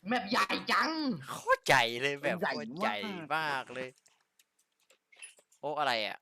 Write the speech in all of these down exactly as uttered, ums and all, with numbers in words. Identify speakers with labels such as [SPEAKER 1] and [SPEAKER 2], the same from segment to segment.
[SPEAKER 1] แมปใหญ่จัง
[SPEAKER 2] โคตรใหญ่เลยแบบโคตรใหญ่มากเลยโอ้อะไรอ่ะ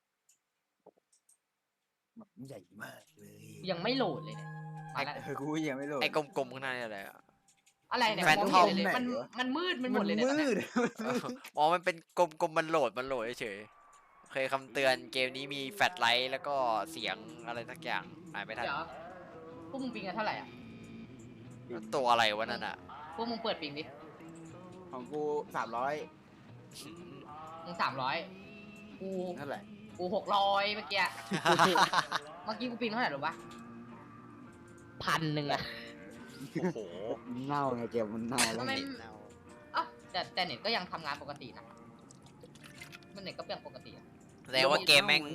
[SPEAKER 3] แบบใหญ่มากเลย
[SPEAKER 1] ยังไม่โหลดเลยเนี่ยมาแล้ว
[SPEAKER 3] เออกูยังไม่โหลด
[SPEAKER 2] ไอ้กลมๆข้างหน้านี่อะไรอ่ะ
[SPEAKER 1] อะไรเนี่ย
[SPEAKER 2] แฟน
[SPEAKER 1] มอง
[SPEAKER 2] ทอม
[SPEAKER 1] ไม่เห็นเลยมันมันมืดมันหมดเลยเนี่ยตอน
[SPEAKER 3] มื
[SPEAKER 1] เนี้ย
[SPEAKER 3] ด
[SPEAKER 2] อ๋อมันเป็นกลมๆมันโหลดมันโหลดเฉยๆเคยคำเตือนเกมนี้มีแฟลชไลท์แล้วก็เสียงอะไรสักอย่างอ่านไม่ทัน
[SPEAKER 1] เดี๋ยวพวกมึงปิงกันเท่าไหร่อ่ะ
[SPEAKER 2] ตัวอะไรวะนั่นอ่ะ
[SPEAKER 1] พวกมึงเปิดปิงดิ
[SPEAKER 3] ของกูสามร้อย
[SPEAKER 1] มึงสามร้อยกู
[SPEAKER 3] เท่าไหร่
[SPEAKER 1] กูหกร้อยเมื่อกี้เมื่อกี้กูปิงเท่าไหร่หรอวะพันหนึ่งอะ
[SPEAKER 2] โอ้โห
[SPEAKER 3] เน่าไงเกมมันเน่าแล้ว
[SPEAKER 1] ทำไมอ่ะแต่แต่เน็ตก็ยังทำงานปกตินะมันเน็ตก็ยังปกติอะ
[SPEAKER 2] แสดงว่าเกมแม่ง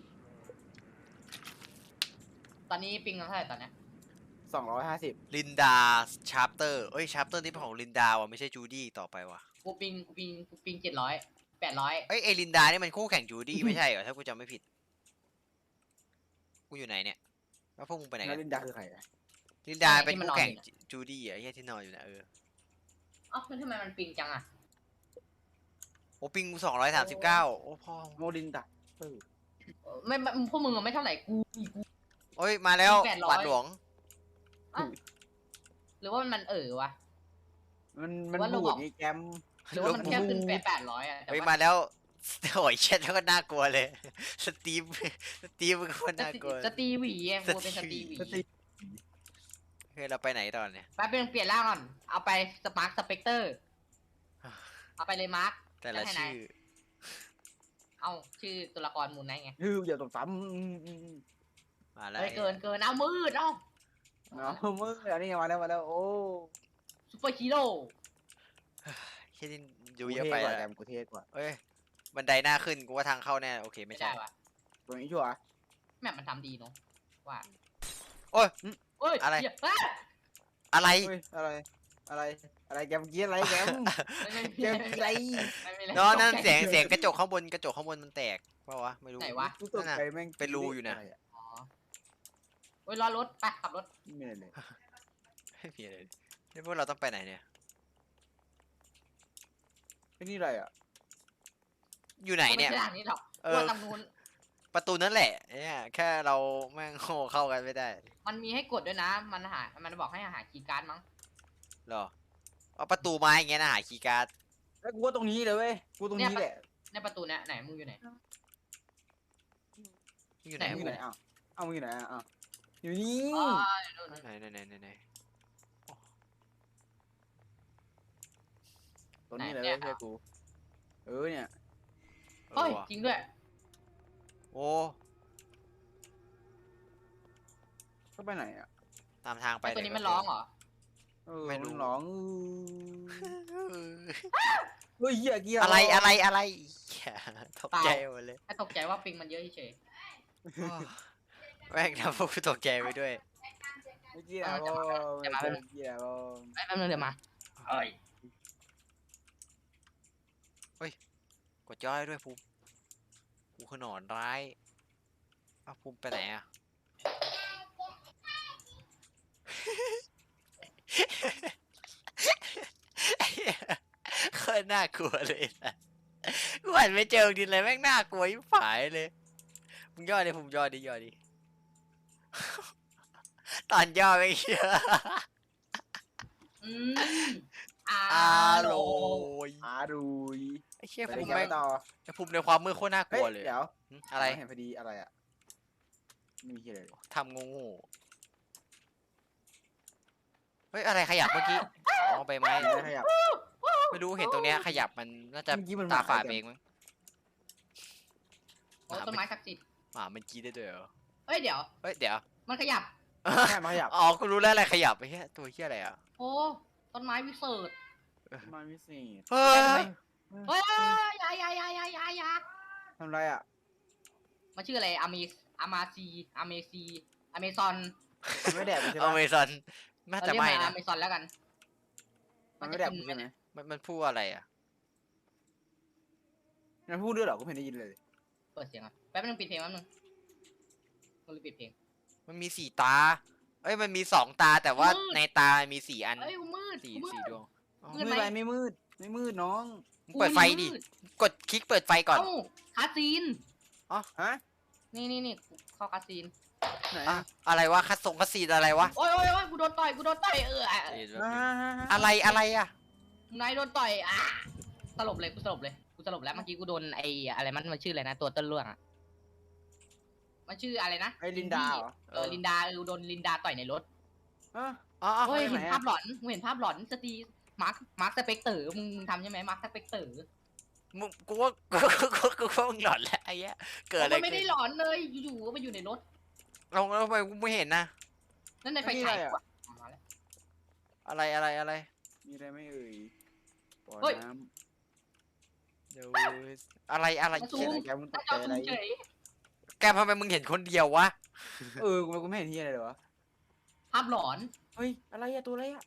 [SPEAKER 1] ตอนนี้ปิงกันเท่าไหร่ตอนเนี้ย
[SPEAKER 3] สองร้อยห้าสิบ
[SPEAKER 2] ลินดาชาร์ปเตอร์เอ้ยชาร์ปเตอร์นี่เป็นของลินดาว่ะไม่ใช่จูดี้ต่อไปว่ะ
[SPEAKER 1] กูปิงกูปิงกูปิงเจ็ดร้อยแปดร้อย
[SPEAKER 2] เอ้ยไอลินดานี่มันคู่แข่งจูดี้ไม่ใช่เหรอถ้ากูจำไม่ผิดกูอยู่ไหนเนี่ยแล้วพวกมึงไปไหน
[SPEAKER 3] แล้
[SPEAKER 2] กั
[SPEAKER 3] วน ลินดาคือใครอะ
[SPEAKER 2] ลินดาเป็นคู่แข่งจูดี้อ่ะไอ้เหี้ยที่นอนอยู่นะเออ
[SPEAKER 1] อ๋อมันทำไมมันปิงจังอะ
[SPEAKER 2] โอ้ปิงสองร้อยสามสิบเก้าโอ้พ่อ
[SPEAKER 3] โมลินดาเออ
[SPEAKER 1] ไม่ไม่พวกมึงอะไม่เท่าไหร่กูอีกู
[SPEAKER 2] โอ้ยมาแล้ว
[SPEAKER 1] แปดร้อย
[SPEAKER 2] หวาดหลวง
[SPEAKER 1] อ่ะหรือว่ามันเออวะ
[SPEAKER 3] มันมัน
[SPEAKER 1] ว่าเรา
[SPEAKER 3] บู
[SPEAKER 1] บ
[SPEAKER 3] ด
[SPEAKER 1] อก
[SPEAKER 3] นี่แกม
[SPEAKER 1] หรือว่ามันแค่ขึ้นแปดแปดร้อยอะแต่
[SPEAKER 2] เฮ้ย
[SPEAKER 1] ว่า
[SPEAKER 2] มาแล้วโอ้ยเช็ดแล้วก็น่ากลัวเลยสตีฟสตีฟมันก็น่ากลัว
[SPEAKER 1] สตีหวีไงกูเป็นสตีหวี
[SPEAKER 3] สติ
[SPEAKER 2] เฮ้ยเราไปไหนตอนเนี่ย
[SPEAKER 1] แป๊บนึงเปลี่ยนร่างก่อน เอาไปสมาร์คสเปกเตอร์ เอาไปเลยมาร์ค
[SPEAKER 2] แต่ละ
[SPEAKER 1] ให้นาย
[SPEAKER 2] ชื่อ
[SPEAKER 1] เอาชื่อตัวละครมูลไนท์ไง
[SPEAKER 3] ฮืออย่าตกซ้
[SPEAKER 2] มาแล้ว
[SPEAKER 1] เฮ้ยเกินเกินเอามืดเอ้า
[SPEAKER 3] ำเนาะมึงอันนี้มาแล้วมาแล้วโอ้
[SPEAKER 1] ซูเปอร์ฮีโร่
[SPEAKER 2] แค่นี้ดูเยอะไป
[SPEAKER 3] กูเท่กว่า
[SPEAKER 2] อะ
[SPEAKER 3] แกมกูเท่กว่า
[SPEAKER 2] เอ้ยบันไดหน้าขึ้นกูว่าทางเข้าแน่โอเค
[SPEAKER 1] ไม่
[SPEAKER 2] ไม่ใช่
[SPEAKER 1] ได้วะ
[SPEAKER 3] ตรงนี้ชัวร์
[SPEAKER 1] แมปมันทำดีเนาะว่า
[SPEAKER 2] โอ้ย
[SPEAKER 1] เอ้ย
[SPEAKER 2] อะไร
[SPEAKER 1] เหี้ยเอ้ย
[SPEAKER 2] อะไร
[SPEAKER 3] เฮ้ยอะไรอะไรอะไรแกมเกี้ยอะไรแกม
[SPEAKER 1] ไม่
[SPEAKER 3] แกมอะไร
[SPEAKER 1] ไม่ไม่ไม่
[SPEAKER 2] นอนนั่นเสียงเสียงกระจกข้างบนกระจกข้างบนมันแตกเปล่าวะไม่รู้
[SPEAKER 1] ไหนวะ
[SPEAKER 3] กูตกใจแม่ง
[SPEAKER 2] เป็นรูอยู่นะ
[SPEAKER 3] ไร
[SPEAKER 1] อ๋อเฮ้ยรอรถไปขับรถ
[SPEAKER 3] ไม่เลย
[SPEAKER 2] ไม่มีอะไรนี่พวกเราต้องไปไหนเนี่ย
[SPEAKER 3] ไอ้นี่อะไรอ่ะ
[SPEAKER 2] อยู่ไหนเนี่ย
[SPEAKER 1] ไม่ใช่ทางนี้หรอก
[SPEAKER 2] เออ
[SPEAKER 1] ว่าตรงนู้น
[SPEAKER 2] ประตูนั่นแหละเนี่ยแค่เราแม่งโง่เข้ากันไม่ได้
[SPEAKER 1] มันมีให้กดด้วยนะ มันหา มันบอกให้หาคีย์การ์ดมั้ง
[SPEAKER 2] หรอเอาประตูไม้อย่างเงี้ยนะหาคีย์การ์ด
[SPEAKER 3] แล้วกูว่าตรงนี้เลยเว้ยกูตรงนี้แหละ
[SPEAKER 1] ในประตูเนี้ยไหนมึงอยู่ไหน
[SPEAKER 2] อยู่ไหน
[SPEAKER 1] ไหน
[SPEAKER 3] มึงอยู่ไหนอ้าวเอ้ามึงอยู่ไหนอ่ะอ้าวอยู่นี่
[SPEAKER 1] อ๋อเดี๋ยวนู่น
[SPEAKER 2] ไหนไหนไหนไหนไหน
[SPEAKER 3] ตรงนี้เลยเว้ยเพื่อนกูเออเนี่ย
[SPEAKER 1] เฮ้ย
[SPEAKER 2] ออว่ะ
[SPEAKER 1] จริงด้วย
[SPEAKER 2] โอ้
[SPEAKER 3] ก็ไปไหนอ่ะ
[SPEAKER 2] ตามทางไป
[SPEAKER 1] ไอตัว
[SPEAKER 2] เดี๋
[SPEAKER 1] นี้
[SPEAKER 2] ยว
[SPEAKER 1] มันร้องเหรอ
[SPEAKER 3] เออ
[SPEAKER 2] ไม่รู้
[SPEAKER 3] นร้องเฮ้ยเหี้ยเกียร์
[SPEAKER 2] อะไรอะไรอะไรเหี้ยตกใจหมดเลย
[SPEAKER 1] ไอตกใจว่าปิงมันเยอะเฉย
[SPEAKER 2] แม่งทำพวกกูตกใจไปด้วย
[SPEAKER 3] เกียร์โอ้เกียร์โอ้
[SPEAKER 1] ๆไอ้แป๊บนึงเดี๋ยวมาเอ้ย
[SPEAKER 2] กดย่อยด้วยภูมิกูคือหนอนร้ายอ้าวภูมิไปไหนอะโคตรน่ากลัวเลยนะกูหันไปเจอดินอะไรแม่งน่ากลัวยิ่งฝายเลยมึงย่อดิภูมิย่อดิย่อดิตอนย่อไม่เชื่อ
[SPEAKER 1] อืมอา
[SPEAKER 2] อาโร
[SPEAKER 1] โล
[SPEAKER 2] ย
[SPEAKER 3] อารุย
[SPEAKER 2] ไอ้เชี่ย
[SPEAKER 3] ไป
[SPEAKER 2] ภูมิ
[SPEAKER 3] แก
[SPEAKER 2] แม่
[SPEAKER 3] ม
[SPEAKER 2] ง
[SPEAKER 3] ต่อ
[SPEAKER 2] ไอ้ภูมิในความมืดโคตรน่าก
[SPEAKER 3] เฮ้
[SPEAKER 2] ลั
[SPEAKER 3] ยว
[SPEAKER 2] เลย
[SPEAKER 3] เดี๋ยว
[SPEAKER 2] หึอะไร
[SPEAKER 3] เห็นพอดีอะไรอ่ะไม่มีอะไรเลย
[SPEAKER 2] ทำงูงูเฮ้ยอะไรขยับเมื่อกี้อ๋อใบไม้
[SPEAKER 3] ไม่ขยับ
[SPEAKER 2] ไม่รู้เห็นตรงเนี้ยขยับมันน่าจะ
[SPEAKER 3] เมื่อกี้มัน
[SPEAKER 2] ตา
[SPEAKER 3] หมา
[SPEAKER 2] ฝาด
[SPEAKER 3] อะไรกัน
[SPEAKER 2] เองมั้ง
[SPEAKER 1] โอ้ต้นไม้ศักดิ์สิทธิ์
[SPEAKER 2] หมามันกี้ได้ด้วยเหรอ
[SPEAKER 1] เฮ้ยเดี๋ยว
[SPEAKER 2] เฮ้ยเดี๋ยว
[SPEAKER 1] มันขยับ
[SPEAKER 3] แค่มาขยับ
[SPEAKER 2] อ๋อกูรู้แล้วอะไรขยับไอ้เหี้ยตัวเหี้ยอะไรอ่ะ
[SPEAKER 1] โอ้ต้นไม้วิเศษ
[SPEAKER 3] มาวิเศษ
[SPEAKER 2] เฮ้ย
[SPEAKER 1] เฮ้ยอยาอยาอยาอยาอยาอยา
[SPEAKER 3] ทำไรอ่ะ
[SPEAKER 1] มันชื่ออะไรอามีอามาซีอาเมซีอเมซอน
[SPEAKER 3] มันไม่แดกใช่
[SPEAKER 2] อ
[SPEAKER 3] ไหม
[SPEAKER 2] เมซอนน่าจะไม่
[SPEAKER 1] อ
[SPEAKER 2] นะ
[SPEAKER 1] เมซอนแล้วกัน
[SPEAKER 3] มันไม่แดกใช่ไหม
[SPEAKER 2] มันมันพูดอะไรอ่ะ
[SPEAKER 3] มันพูดด้วยเหรอกูไม่ได้ยินเลย
[SPEAKER 1] เปิดเสียงอ่ะแป๊บนึงปิดเพลงแป๊บนึงมึงปิดเพลง
[SPEAKER 2] มันมีสี่ตาเอ้ยมันมีสองตาแต่ว่า
[SPEAKER 1] มืด
[SPEAKER 2] ในตามีสี่อัน
[SPEAKER 1] เฮ้ยกูมืด
[SPEAKER 2] สี่
[SPEAKER 1] กูมืด
[SPEAKER 2] สี่ดวง
[SPEAKER 1] มื
[SPEAKER 3] ไม่
[SPEAKER 1] ด
[SPEAKER 3] เป็น
[SPEAKER 1] ไหม
[SPEAKER 3] ไรไม่มืดไม่มืดน้อง
[SPEAKER 2] มึงเปิดไฟดิ
[SPEAKER 1] มืด
[SPEAKER 2] กดคลิกเปิดไฟก่อน
[SPEAKER 1] เอ้าคาซีน
[SPEAKER 3] ฮะ
[SPEAKER 1] นี่นี่นี่เข้าคาซีน
[SPEAKER 3] ไหน
[SPEAKER 2] อะ
[SPEAKER 3] อะ
[SPEAKER 2] อะไรวะคัดส่งคัดซีนอะไรวะ
[SPEAKER 1] โอ้ยโอ้ยโอ้ยกูโดนต่อยกูโดนต่อยเอออ่ะ
[SPEAKER 3] อ่า
[SPEAKER 2] อะไรอะไรอะ
[SPEAKER 1] นายโดนต่อยอ่ะสลบเลยกูสลบเลยกูสลบแล้วเมื่อกี้กูโดนไอ้อะไรมันมันชื่ออะไรนะตัวต้นเรื่องอ่ะมันชื่ออะไรนะ
[SPEAKER 3] ไอ้ลินดาเหรอ
[SPEAKER 1] เออลินดาเออโดนลินดาต่อยในรถ
[SPEAKER 3] ฮะ
[SPEAKER 2] อ๋ออ๋อ
[SPEAKER 1] เฮ้ย
[SPEAKER 3] ไหน
[SPEAKER 1] เห็น
[SPEAKER 3] อะ
[SPEAKER 1] ภาพหลอนมึงเห็นภาพหลอนสตีมาร์คมาร์คสเปกเตอร์มึงทำใช่ไหมมาร์คสเปกเตอร์
[SPEAKER 2] มึงกูว่ากูกูกูกูว่ามึงหลอนแล้วไอ้เหี้ยเกิดอะไร
[SPEAKER 1] มันไม่ได้
[SPEAKER 2] ขึ้น
[SPEAKER 1] หลอนเลยอยู่ๆก็มาอยู่ในรถ
[SPEAKER 2] เราเราทำไมกูไม่เห็นนะ
[SPEAKER 1] นั่นในไฟฉายกูอะมาแล้ว
[SPEAKER 2] อะไรอะไรอะไร
[SPEAKER 3] มีอะไรไหม่เอ่ยบ่อ
[SPEAKER 1] เฮ้ย
[SPEAKER 3] น้
[SPEAKER 2] เดี๋ยวอะไรอะไร
[SPEAKER 1] มา
[SPEAKER 3] ำ
[SPEAKER 1] ซู
[SPEAKER 3] เขียน
[SPEAKER 1] ม
[SPEAKER 3] อะไรแกมึงต
[SPEAKER 1] ถ้าก
[SPEAKER 3] ใจ
[SPEAKER 1] จอ
[SPEAKER 3] อะไร
[SPEAKER 1] ซูมเฉย
[SPEAKER 2] แกทำไมมึงเห็นคนเดียววะ
[SPEAKER 3] เออกูกูไม่เห็นที่อะไรเลยวะ
[SPEAKER 1] ภาพหลอน
[SPEAKER 3] เฮ้ยอะไรอะตัวอะไรอะ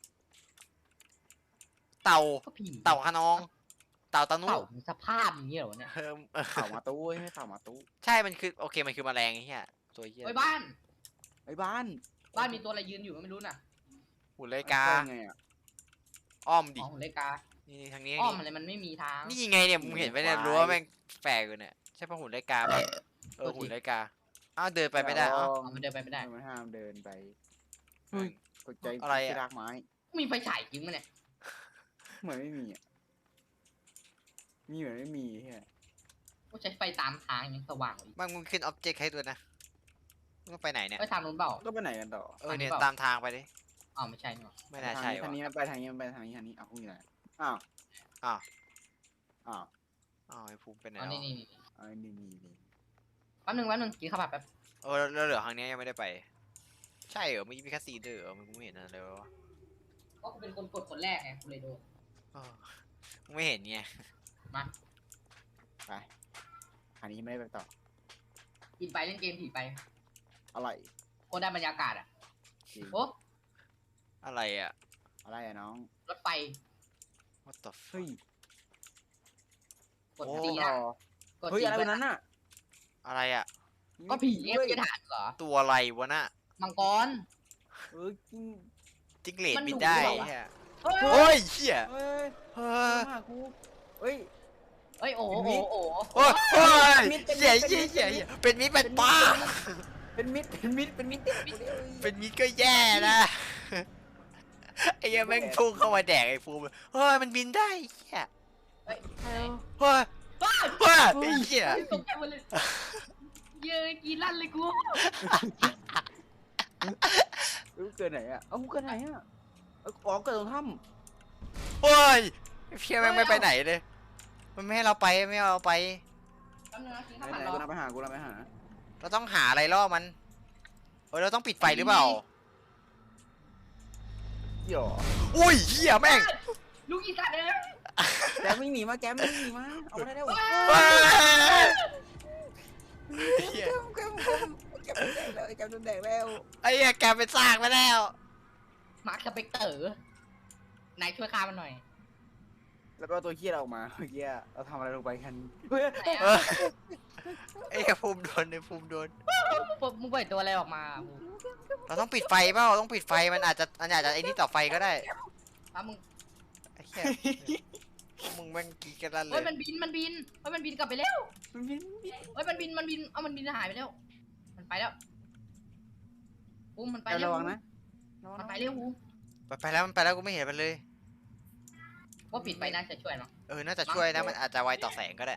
[SPEAKER 2] เต่า
[SPEAKER 1] ก็ผี
[SPEAKER 2] เต่าขนอง เต่าตานุ
[SPEAKER 1] เต่าสภาพอย่างนี้เหรอวะเนี่ย
[SPEAKER 2] เออเออ
[SPEAKER 3] ข่าวมาตู้เว้ยให้ข่าวมาตู้
[SPEAKER 2] ใช่ มันคือโอเค มันคือแมลงไอ้เหี้ยตัวเหี้ย
[SPEAKER 1] ไว้บ้าน
[SPEAKER 3] ไอ้บ้าน
[SPEAKER 1] บ้านมีตัวอะไรยืนอยู่ก็ไม่รู้น่ะ
[SPEAKER 2] หุ่นเลยกา
[SPEAKER 3] เข้ไงอะ
[SPEAKER 2] อ้อมดิ
[SPEAKER 1] อ๋อเลกา
[SPEAKER 2] นี่ทางนี้
[SPEAKER 1] อ้อมอะไรมันไม่มีทาง
[SPEAKER 2] นี่ไงเนี่ยมึงเห็นไหมเนี่ยรั้วแม่งแฝงอยู่เนี่ยใช่ปะหุ่นเลยกาปะเออหุ่นเลยกาอ้าวเดินไปไม่ได้อ้าว
[SPEAKER 1] อ๋อมันเดินไปไม่ได้
[SPEAKER 3] มันห้ามเดินไปเฮ้ยตกใจ
[SPEAKER 2] อะไรอะ
[SPEAKER 3] ที่รากไม้
[SPEAKER 1] มีไฟฉายจริงมั้ยเนี่ย
[SPEAKER 3] เหมือนไม่มีอะมีเหมือนไม่มีเฮีย
[SPEAKER 1] ก็ใช้ไฟตามทางยังสว่างอีก
[SPEAKER 2] บางมึงขึ้นอ็อบเจกต์ให้ด้วยนะมึงต้องไปไหนเนี่ย
[SPEAKER 1] ไปทางนู้นเปล่า
[SPEAKER 3] ก็ไปไหนกันต่อ
[SPEAKER 2] เออเนี่ย
[SPEAKER 1] ทางนี้เปล่า
[SPEAKER 2] ตามทางไปดิ
[SPEAKER 1] อ๋อไม่ใช่นี่หว่า
[SPEAKER 2] ไม่น่าใช่
[SPEAKER 3] ทาง
[SPEAKER 2] วะ
[SPEAKER 3] นี้มันไปทางนี้มันไปทางนี้ทางนี้อ้าวคุณอยู่ไหนอ้าว
[SPEAKER 2] อ้าว
[SPEAKER 3] อ้าว
[SPEAKER 2] อ้าวไอ้ภูมิเป็นไหน
[SPEAKER 1] อ๋อ
[SPEAKER 2] วะ
[SPEAKER 1] นี่นี่นี่
[SPEAKER 3] ไอ้นี่นี่นี่
[SPEAKER 1] แป๊บนึงแป๊บนึงกินข้าวผัดแป๊บ
[SPEAKER 2] เออแล้วเหลือทางเนี้ยยังไม่ได้ไป ใช่เหรอเมื่อกี้มีแค่ซีเดอร์เหรอมึงไม่เห็นอะไรเลยวะ
[SPEAKER 1] ก็กูเป็นคนกดคนแรกไงกูเลยโดน
[SPEAKER 2] เออมึงไม่เห็นไง
[SPEAKER 1] มา
[SPEAKER 3] ไปทางนี้ไม่ได้ไปต่อ
[SPEAKER 1] กินไปเล่นเกมผีไป
[SPEAKER 3] อะไร
[SPEAKER 1] โคตรได้บรรยากาศอ่ะ
[SPEAKER 3] จริง
[SPEAKER 1] โอ้
[SPEAKER 2] อะไรอะ
[SPEAKER 3] อะไรอะน้อง
[SPEAKER 1] รถไฟ
[SPEAKER 2] what the
[SPEAKER 3] เฮ้ย
[SPEAKER 1] กด
[SPEAKER 2] โอ้
[SPEAKER 1] ตี
[SPEAKER 3] ต่
[SPEAKER 1] นะ
[SPEAKER 3] อก
[SPEAKER 1] ด
[SPEAKER 3] เฮ้ย
[SPEAKER 1] ตี
[SPEAKER 3] อะไร
[SPEAKER 1] ไป
[SPEAKER 3] บนนั้นน่ะ
[SPEAKER 2] อะไรอะ
[SPEAKER 1] ก็ผี
[SPEAKER 3] ด้
[SPEAKER 1] เอ
[SPEAKER 3] วย
[SPEAKER 1] ฟจะถามเหรอ
[SPEAKER 2] ตัวอะไรวะน่ะ
[SPEAKER 1] มังกร
[SPEAKER 3] เออจริง
[SPEAKER 2] จิ้งเหลน
[SPEAKER 1] มัน
[SPEAKER 2] บิน
[SPEAKER 1] ดุ
[SPEAKER 2] ได้
[SPEAKER 1] หรือเปล่าวะ
[SPEAKER 2] เหี้ย
[SPEAKER 1] เฮ้ย
[SPEAKER 2] โอ้ยเหี้ย
[SPEAKER 3] เฮ้ย
[SPEAKER 2] เฮ้
[SPEAKER 3] มาย หากูเฮ้ย
[SPEAKER 1] เฮ้ยโอ้โห
[SPEAKER 3] เป็นมิ
[SPEAKER 1] โอ้
[SPEAKER 3] ตร
[SPEAKER 1] โห
[SPEAKER 2] โอ้ยโอ้ย
[SPEAKER 3] เป็นมิตรเป็นมิตร
[SPEAKER 2] เหี้ย
[SPEAKER 3] เป็นมิ
[SPEAKER 2] เหี้ย
[SPEAKER 3] ตร
[SPEAKER 2] เหี้ยเหี้ยเป็นมิตรเป็นป้า
[SPEAKER 3] เป็นมิดเป็นมิดเป็นมิดเป็นมิด
[SPEAKER 2] เป็นมิตรก็แย่นะไอ้เหี้ยแม่งพุ่งเข้ามาแดกไอ้ภูมิเฮ้ยมันบินได้เหี้ย
[SPEAKER 1] เฮ้ย
[SPEAKER 2] เฮ้ย
[SPEAKER 1] ว้าว
[SPEAKER 2] เฮ้ยไอ้เหี้ย
[SPEAKER 1] ตกใจหมดเลยเย้ยกินลั่นเลยกู
[SPEAKER 3] เออเกิดไหนอะเอ้าเกิดไหนอะเอ้าอ๋อเกิดตรงถ้
[SPEAKER 2] เฮ้ยไอ้เพี้ยแม่งไม่ไปไหนเลย มันไม่ให้เราไปไม่ให้เราไป
[SPEAKER 1] แป๊บนึงนะกิน
[SPEAKER 3] ำ
[SPEAKER 1] ข้าว
[SPEAKER 3] ไห
[SPEAKER 1] ผั
[SPEAKER 3] น
[SPEAKER 1] ด
[SPEAKER 3] ๆ
[SPEAKER 1] รอ
[SPEAKER 3] กูนำไปหากูนำไปหา
[SPEAKER 2] เราต้องหาอะไรล่อมันเฮ้ยเราต้องปิดไฟหรือเปล่า
[SPEAKER 3] เหี้ย
[SPEAKER 2] อุ้ยเหี้ยแม่ง
[SPEAKER 1] ลูกอีสัตว์เอ้ย
[SPEAKER 3] แกไม่หนีมาแกไม่หนีมาเอามาได้แล้ว
[SPEAKER 2] เฮ้ยเหี้ย
[SPEAKER 3] แกแกแกแกโดนแดกแล้ว
[SPEAKER 2] ไอ้เหี้ยแกไปสร้างมาแล้ว
[SPEAKER 1] มาร์คสเปกเตอร์นายช่วยฆ่ามันหน่อย
[SPEAKER 3] แล้วก็ตัวเคี้ยออกมาเมื่อกี้เราทำอะไรลงไปกันเฮ้ย
[SPEAKER 1] ไหน
[SPEAKER 2] เอ
[SPEAKER 1] อะ
[SPEAKER 2] อไอ้เหี้ยภูมิโดนไอ้ภูมิโดน
[SPEAKER 1] มึงปล่อยตัวอะไรออกมา
[SPEAKER 2] เราต้องปิดไฟเปล่าต้องปิดไฟมันอาจจะมันอาจจะไอ้นี่ต่อไฟก็ได้
[SPEAKER 1] อ่ะมึง
[SPEAKER 2] ไอ้เหี้ยมึงแม่งกรีดกันลั่นเล
[SPEAKER 1] เฮ้ย
[SPEAKER 2] ย
[SPEAKER 1] มันบินมันบินเฮ้ยมันบินกลับไปแล้ว
[SPEAKER 3] มันบินบิน
[SPEAKER 1] เฮ้ยมันบินมันบินเอามันบินหายไปแล้ว มันไปแล้วอูมมันไป
[SPEAKER 3] แก
[SPEAKER 1] เร็ว
[SPEAKER 3] ระวังนะ
[SPEAKER 1] มันไปเร็วอูม
[SPEAKER 2] ไปไปแล้วมันไปแล้วกูไม่เห็นมันเลย
[SPEAKER 1] ว่าปิดไปน่าจะช่วยเนาะ
[SPEAKER 2] เออน่าจะช่วยนะมันอาจจะไวต่อแสงก็ได้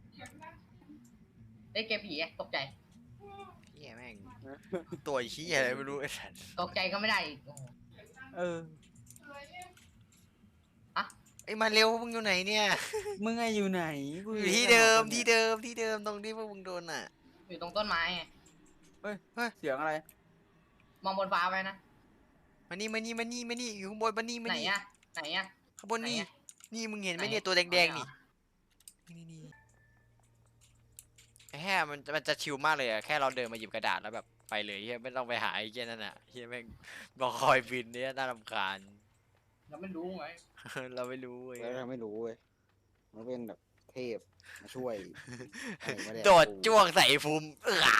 [SPEAKER 1] ได้เกมผีอะตกใจ
[SPEAKER 2] เหี้ยแม่งตัวเหี้ยอะไรไม่รู้ไอ้สัส
[SPEAKER 1] ตกใจก็ไม่ได้อีกโอ้โห
[SPEAKER 3] เออ
[SPEAKER 2] ไอ้ยมาเร็วมึงอยู่ไหนเนี่ย
[SPEAKER 3] มึงไงอยู่ไหนกู
[SPEAKER 2] อยู่ที่เดิมที่เดิมที่เดิมตรงที่พวกมึงโดนอ่ะ
[SPEAKER 1] อยู่ตรงต้นไม้ไง
[SPEAKER 3] เสียงอะไร
[SPEAKER 1] มองบนฟ้าไว้นะ
[SPEAKER 2] มานี่มานี่มานี่มานี่อยู่ข้างบนมานี่มา
[SPEAKER 1] ไหน
[SPEAKER 2] นี่
[SPEAKER 1] อะไหนอะ
[SPEAKER 2] ข้างบนนี่
[SPEAKER 1] ไหนอะ
[SPEAKER 2] นี่มึงเห็นไหม
[SPEAKER 1] ไหน
[SPEAKER 2] เนี่ยตัวแดงๆ
[SPEAKER 1] ไหน
[SPEAKER 2] นี่
[SPEAKER 1] อะ
[SPEAKER 2] นี่นี่ไอ้แห่มันมันจะชิลมากเลยอะแค่เราเดินมาหยิบกระดาษแล้วแบบไปเลยเฮียไม่ต้องไปหาไอ้เหี้ยนั่นอ่ะเฮียแม่งบอกคอยบินเนี่ยน่ารำคาญ
[SPEAKER 1] เราไม่รู้ไง
[SPEAKER 2] เราไม่รู้เว้ย
[SPEAKER 3] เราไม่รู้เว้ยมันเป็นแบบเทพมาช่วยอะไรวะเนี่ย
[SPEAKER 2] โดดจ้วงใส่ไอ้ภูมิเออ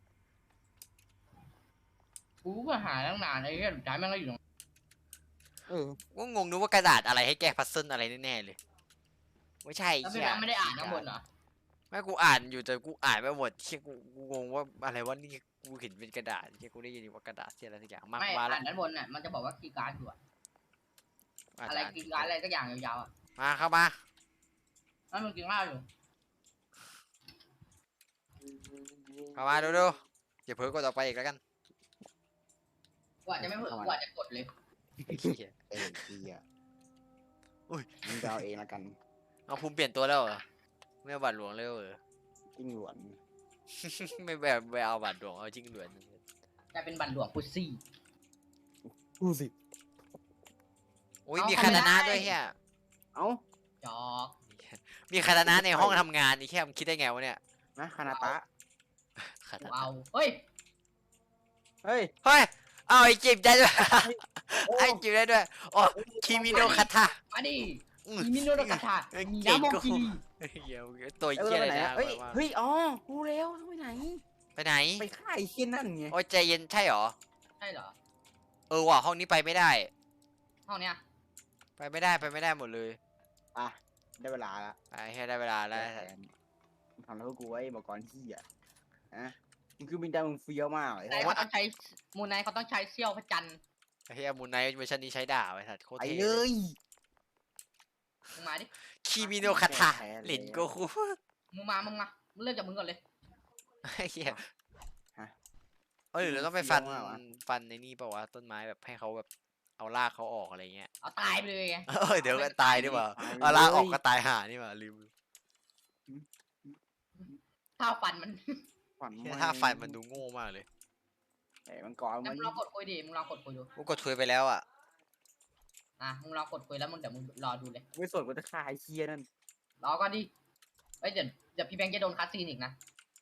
[SPEAKER 1] กูก็หาตั้งนานไอ้เหี้ยสุดท้ายแม่งก็อยู่ตรง
[SPEAKER 3] เเออ
[SPEAKER 2] กูงงนึกว่ากระดาษอะไรให้แก้พัซเซิลอะไรแน่ๆเลยไม่ใช่
[SPEAKER 1] แล้ว
[SPEAKER 2] เหี้
[SPEAKER 1] พี่
[SPEAKER 2] ย
[SPEAKER 1] แบงค์ไม่ได้อ่านข้างบนเหรอ
[SPEAKER 2] ไม่กูอ่านอยู่แต่กูอ่านไม่หมดเชี่ยกูกูงงว่าอะไรวะนี่กูเห็นเป็นกระดาษเชี่ยกูได้ยินว่ากระดาษเชี่ยอะไรสักอย่างมา
[SPEAKER 1] ไม่
[SPEAKER 2] มา
[SPEAKER 1] อ่า
[SPEAKER 2] ละ
[SPEAKER 1] นด้านบนน่ะมันจะบอกว่าคีย์การ์ดอยู่อะ
[SPEAKER 2] อาจ
[SPEAKER 1] อะไร
[SPEAKER 2] จะ
[SPEAKER 1] คีย์การ์ดอะไรสักอย่างยาวๆอะ
[SPEAKER 2] มาเข้ามา
[SPEAKER 1] นั่นมึงกินข้าวอยู่
[SPEAKER 2] เข้ามาดูดูอย่าเผลอกดออกไปอีกแล้วกัน
[SPEAKER 1] กว่าจะไม่เผลอกว่าจะกดเลย
[SPEAKER 2] เหี้ย
[SPEAKER 3] เออดีอ่ะ
[SPEAKER 2] อุ้ย
[SPEAKER 3] มึงจะเอาเองละกัน
[SPEAKER 2] เอาภูมิเปลี่ยนตัวแล้วเหรอไม่เอาบาดหลวงเลยเหรอ
[SPEAKER 3] จิ้งหลวน
[SPEAKER 2] ไม่แบบไม่เอาบาดหลวงเอาจริงหลวน
[SPEAKER 1] กลายเป็นบันหลวงพุซซี่
[SPEAKER 3] ดูสิ
[SPEAKER 2] อุ้ย
[SPEAKER 1] เอา
[SPEAKER 2] มี
[SPEAKER 1] เข้า
[SPEAKER 2] คา
[SPEAKER 1] ไม่
[SPEAKER 2] ตานะ
[SPEAKER 1] ได้
[SPEAKER 2] ด้วยเฮีย
[SPEAKER 3] เอ้า
[SPEAKER 1] จอก
[SPEAKER 2] มีคาตานะในห้องทำงานนี่แค่มึงคิดได้ไงวะเนี่ย
[SPEAKER 3] นะคานาตะ
[SPEAKER 2] คา
[SPEAKER 1] กู
[SPEAKER 2] ตานะ
[SPEAKER 1] เอาเฮ้ย
[SPEAKER 3] เฮ้ย
[SPEAKER 2] เฮ้ยเอาไอ้จิบได้ด้วย
[SPEAKER 3] โอ้
[SPEAKER 2] ไอ้จิบได้ด้วยโอ้คิมิโนะคาทา
[SPEAKER 1] มาดิ
[SPEAKER 2] อืม
[SPEAKER 1] มีมิโนโนกาทา
[SPEAKER 2] เอ้ย
[SPEAKER 1] มี
[SPEAKER 2] เก่ง
[SPEAKER 1] น้ำโม
[SPEAKER 2] กู
[SPEAKER 1] กิ
[SPEAKER 2] เฮียตัว
[SPEAKER 3] เอ้ย
[SPEAKER 2] เหี้ย
[SPEAKER 3] ไป
[SPEAKER 2] อะไร
[SPEAKER 3] ไหน
[SPEAKER 2] นะ
[SPEAKER 3] อะเฮ้ย
[SPEAKER 2] ว่า
[SPEAKER 3] เฮ้ยอ๋อรู้แล้วไปไหน
[SPEAKER 2] ไปไหน
[SPEAKER 3] ไปฆ่าไอ้เคียนนั่นไง
[SPEAKER 2] โอ้ยใจเย็นใช่เหรอ
[SPEAKER 1] ใช่เหรอ
[SPEAKER 2] เออว่ะห้องนี้ไปไม่ได้
[SPEAKER 1] ห้องเนี้ย
[SPEAKER 2] ไปไม่ได้ไปไม่ได้หมดเลย
[SPEAKER 3] อ่ะได้เวลาละ
[SPEAKER 2] ไปให้ได้เวลาแล้ว
[SPEAKER 3] มึงทำแล้วกูไว้บอกก่อนที่อ่ะอะมึงคือบินดามึงเฟี้ยวมากเลย
[SPEAKER 1] แต่เขาต้องใช้มูนไนท์เขาต้องใช้เซี่ยวพระจันทร์
[SPEAKER 2] ไอ้เฮียมูนไนท์เวอร์ชันนี้ใช้ด่าไว้สัตว์โคตร
[SPEAKER 3] ไป
[SPEAKER 2] เท่
[SPEAKER 3] เลย
[SPEAKER 1] มึงมาดิ
[SPEAKER 2] คิมิโนะคาทาหลินโกคุ
[SPEAKER 1] มึงมา มึงมา มึงเริ่มจากมึงก่อนเลย
[SPEAKER 2] ไอ้เฮียเออหรือเราต้องไปฟันฟันในนี่เปล่าวะต้นไม้แบบให้เขาแบบเอารากเขาออกอะไรเงี้ย
[SPEAKER 1] เอาตายไปเลยไง
[SPEAKER 2] เออเดี๋ยวก็ตายดีกว่า
[SPEAKER 3] ไปเลย
[SPEAKER 2] เอาลากออกก็ตายห่านี่หว่าลืม
[SPEAKER 1] ถ้าฟันมัน
[SPEAKER 3] ฝัน
[SPEAKER 2] เหี้ยถ้าฟันมันดูโง่มากเลย
[SPEAKER 3] ไอ้มันก่อน
[SPEAKER 1] งั้
[SPEAKER 3] มัน น
[SPEAKER 1] มึงลองกดคุยดิ มึงลองกดคุยดู
[SPEAKER 2] กูกดทวยไปแล้วอ่ะ
[SPEAKER 1] อ่ะ มึงลองกดคุยแล้วมึงเดี๋ยวมึงรอดูเลย
[SPEAKER 3] ไม่สนกูจะฆ่าไอ้เคียนั่น
[SPEAKER 1] รอก่อนดิเอ้ยเดี๋ยวเดี๋ยวพี่แบงค์จะโดนคัดซีนอีกนะ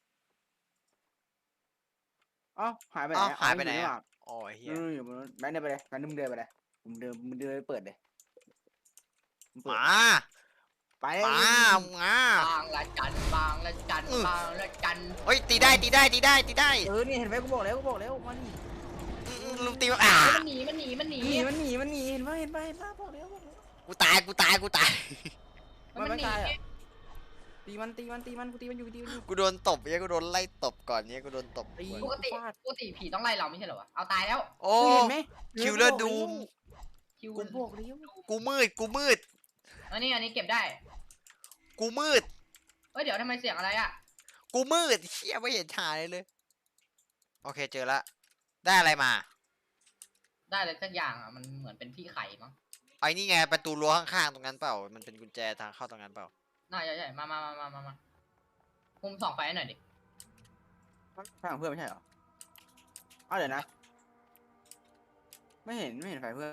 [SPEAKER 3] เอ้าหายไปไหน
[SPEAKER 2] เอ้า
[SPEAKER 3] อะ
[SPEAKER 2] หายไปไหน
[SPEAKER 3] เอ
[SPEAKER 2] อะ
[SPEAKER 3] อ
[SPEAKER 2] อ๋อไอ้เฮีย
[SPEAKER 3] อยู่อยู่บนรถแบงค์เดินไปเลยแบงค์มึงเดินไปเลยมึงเดินมึงเดินไปเปิดเลยมึง
[SPEAKER 2] ห
[SPEAKER 3] เปิด
[SPEAKER 2] มา
[SPEAKER 3] ไป
[SPEAKER 2] หมาหมา
[SPEAKER 1] บางละจันบางละจันบางละจัน
[SPEAKER 2] เฮ้ยตีได้ตีได้ตีได้ตีได้
[SPEAKER 3] เออนี่เห็นไหมกูบอกแล้วกูบอกแล้วมัน
[SPEAKER 2] อืมลุมตีอ่ะ
[SPEAKER 1] เฮ้ยมันหนี มันหนี มันหนี
[SPEAKER 3] หนีมันหนีมันหนีเห็นไหมเห็นไหมเห็นไหมบอกแล้วบอกแล้ว
[SPEAKER 2] กูตายกูตายกูตาย
[SPEAKER 1] มันหนี
[SPEAKER 3] ตีมันตีมันตีมันกูตีมันอยู่ตีมันอยู่
[SPEAKER 2] กูโดนตบเนี่ยกูโดนไล่ตบก่อนเนี่ยกูโดนตบ
[SPEAKER 3] ตี
[SPEAKER 1] ปกติปกติผีต้องไล่เราไม่ใช่เหรอวะ เอาตายแล้ว
[SPEAKER 2] โอ้
[SPEAKER 3] เห็นไหม
[SPEAKER 2] คิวเลอร์ดูม
[SPEAKER 1] คิว
[SPEAKER 3] กูบอกแล้ว
[SPEAKER 2] กูมืดกูมืด
[SPEAKER 1] อันนี้อันนี้เก็บได้
[SPEAKER 2] กูมืด
[SPEAKER 1] เฮ้ยเดี๋ยวทำไมเสียงอะไรอ่ะ
[SPEAKER 2] กูมืดเชี่ยไม่เห็นหายเลย โอเคเจอละได้อะไรมา
[SPEAKER 1] ได้เลยสักอย่างอ่ะ มันเหมือนเป็นที่ไข่มั้ง
[SPEAKER 2] ไอ้นี่ไงประตูรั้วข้างๆตรงนั้นเปล่ามันเป็นกุญแจทางเข้าตรงนั้นเปล่า
[SPEAKER 1] น่าใช่ใช่มามามามามามามุมส่องไฟให้หน่อยดิ
[SPEAKER 3] ไฟของเพื่อนไม่ใช่เหรออ้าวเดี๋ยวนะ ไม่เห็นไม่เห็นไฟเพื่อน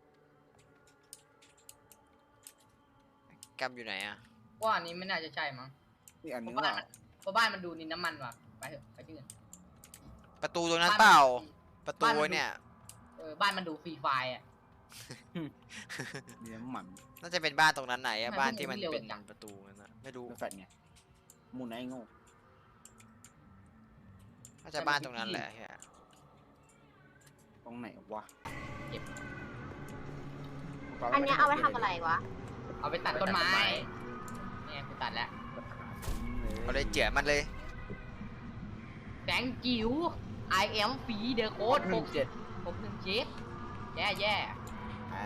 [SPEAKER 2] กำอยู่ไหนอะ
[SPEAKER 1] ว่าอันนี้ไม่น่าจะใช่มั้ง
[SPEAKER 3] อีกอัน
[SPEAKER 1] เพ
[SPEAKER 3] นึง
[SPEAKER 1] ราะ
[SPEAKER 3] เป
[SPEAKER 1] บ้าน
[SPEAKER 3] ล่า
[SPEAKER 1] มันเพราะบ้านมันดูนินน้ำมันว่ะ ไปเถอะไปที่อื่น
[SPEAKER 2] ประตูตรงนั้นเปล่า ประตู
[SPEAKER 1] บ้านมันดู
[SPEAKER 2] เนี่ย
[SPEAKER 1] เออบ้านมันดูฟรีไฟล์อ่ะ
[SPEAKER 3] มีน้ำมัน
[SPEAKER 2] น่าจะเป็นบ้านตรงนั้นไหนอะ
[SPEAKER 1] ทำไม
[SPEAKER 2] บ้าน
[SPEAKER 1] พวก
[SPEAKER 2] ที่มัน
[SPEAKER 1] มึงเร็ว
[SPEAKER 2] เป็น
[SPEAKER 1] จัง
[SPEAKER 2] ประตูนั่นนะไม่รู้
[SPEAKER 3] เป็นแฟลชไงมูนไอ้โง่
[SPEAKER 2] น่าจะบ้านตรงนั้นแหละเฮีย
[SPEAKER 3] ตรงไหนวะ
[SPEAKER 4] อันเนี้ยเอาไว้ทำอะไรวะ
[SPEAKER 1] เอาไปตัดต้นไม้เนี่ยกูตัดแล้ว
[SPEAKER 2] เอาเลยเจี๋ยมันเลย
[SPEAKER 1] แบงค์จิ๋ว I am ฟีเดอร์โค้ด
[SPEAKER 3] ห
[SPEAKER 1] ห
[SPEAKER 3] นึ่
[SPEAKER 1] ก
[SPEAKER 3] งเจ็ด
[SPEAKER 1] หกหนึ่งเจ็ดแย่แย่
[SPEAKER 3] อ่ะ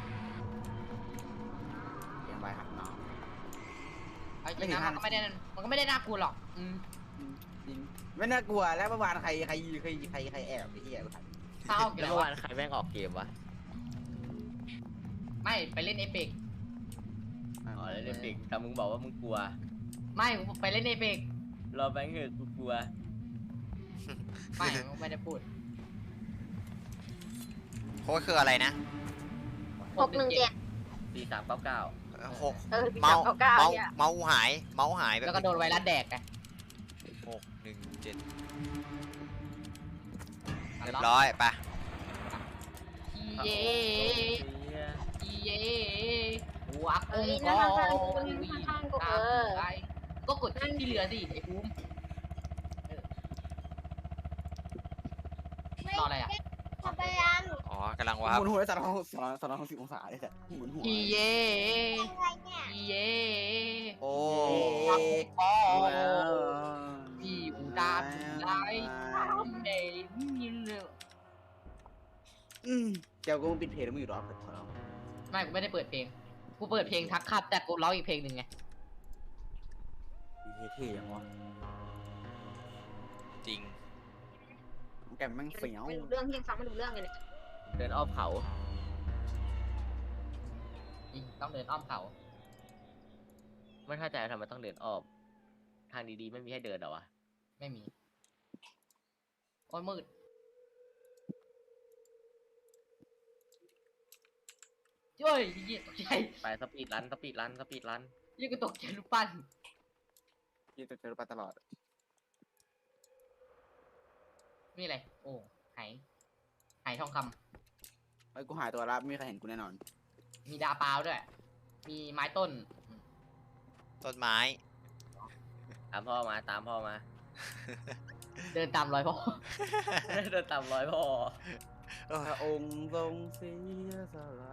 [SPEAKER 3] เรียงไว้หักน้อง
[SPEAKER 1] เอาจริงนะมันก็ไม่ได้มันก็ไม่ได้น่ากลัวหรอกอืม
[SPEAKER 3] จริงไม่น่ากลัวแล้วเมื่อวานใครใครใครใครใครแอบไอ้เหี้ย
[SPEAKER 1] ถ้าเอากี่
[SPEAKER 5] แล้ว
[SPEAKER 1] แล้ว
[SPEAKER 5] เมื่อ
[SPEAKER 1] วะ
[SPEAKER 5] วานใครแม่งออกเกมวะ
[SPEAKER 1] ไม่ไปเล่นเอเปก
[SPEAKER 5] อ๋อแล้วเด็กปิกแต่มึงบอกว่ามึงกลัว
[SPEAKER 1] ไม่ไปเล่นเอเปก
[SPEAKER 5] รอแบงค์เถอะกูกลัว
[SPEAKER 1] ไม่ไม่ได้พูด
[SPEAKER 2] โค้ดคืออะไรนะ
[SPEAKER 4] หกหนึ่งเจ็ด
[SPEAKER 5] สี่สามเก้าเก้า
[SPEAKER 2] เอ่อหก
[SPEAKER 4] เออปี
[SPEAKER 2] เมา
[SPEAKER 4] สาม
[SPEAKER 2] ส์
[SPEAKER 4] เก้าเก้า
[SPEAKER 2] เมาส์
[SPEAKER 4] เนี่ย
[SPEAKER 2] เมาส์หาย เมาส์หายแบบ
[SPEAKER 1] แล้วก็โดนไวรัสแดกไง
[SPEAKER 2] หกหนึ่งเจ็ดเรียบร้อยไป
[SPEAKER 1] อีเย่อีเย่หัว
[SPEAKER 4] เอ้
[SPEAKER 1] กุ้
[SPEAKER 4] ย
[SPEAKER 1] ง
[SPEAKER 4] นั่
[SPEAKER 1] ก็
[SPEAKER 4] งข้างๆกูนั่งข้างๆกูเออ
[SPEAKER 1] ก็กดที่เรือสิไอ้ภูมิรออะไรอ่ะ
[SPEAKER 4] ทำไปยัง
[SPEAKER 2] อ๋อกกำลังวาร์ป
[SPEAKER 3] หมุนหัวได้สามร้อยสามร้อยสามร้อยหกสิบองศาเลยแต่หมุนหัว
[SPEAKER 1] อีเย่
[SPEAKER 4] อะไรเนี่ย
[SPEAKER 1] อีเย่
[SPEAKER 2] โอ้
[SPEAKER 1] อ๋อ
[SPEAKER 3] ว้าว
[SPEAKER 1] พี่อูดาอูไลเดย์นี่เลย
[SPEAKER 3] อืมเจ้าก็ปิดเพลงแล้วมึงอยู่รอบขอร้อง
[SPEAKER 1] ไม่กูไม่ได้เปิดเพลงกูเปิดเพลงทักขับแต่กูร้องอีกเพลงหนึ่งไง
[SPEAKER 3] เท่ๆยังวะ
[SPEAKER 2] จริง
[SPEAKER 3] แกมแม่งเฟี้ยว
[SPEAKER 4] ไม่รู้เรื่องที่ยังฟังไม่รู้เรื่องเลยเนี่ย
[SPEAKER 5] เดินอ้อมเขา
[SPEAKER 1] จริงต้องเดินอ้อมเขา
[SPEAKER 5] ไม่เข้าใจทำไมต้องเดินอ้อมทางดีๆไม่มีให้เดินเหรอวะ
[SPEAKER 1] ไม่มีโอ้ยมืดเฮ้ยยี่ตกใจ
[SPEAKER 5] ไปสปีดรันสปีดรันสปีดรัน
[SPEAKER 1] ยี่กูตกใจลูกปั้น
[SPEAKER 3] ยี่จะเจอปลาตลอด
[SPEAKER 1] นี่อะไรโอ้ไหไหทองค
[SPEAKER 3] ไอ้กูหายตัวละไม่มีใครเห็นกูแน่นอน
[SPEAKER 1] ำมีดาเปล่าด้วย มีไม้ต้น
[SPEAKER 2] ต้นไม้
[SPEAKER 5] ตามพ่อมาตามพ่อมา
[SPEAKER 1] เดินตามรอยพ่อ
[SPEAKER 5] เดินตามร้อยพ่อ
[SPEAKER 3] พระองค์ทรงเสียสละ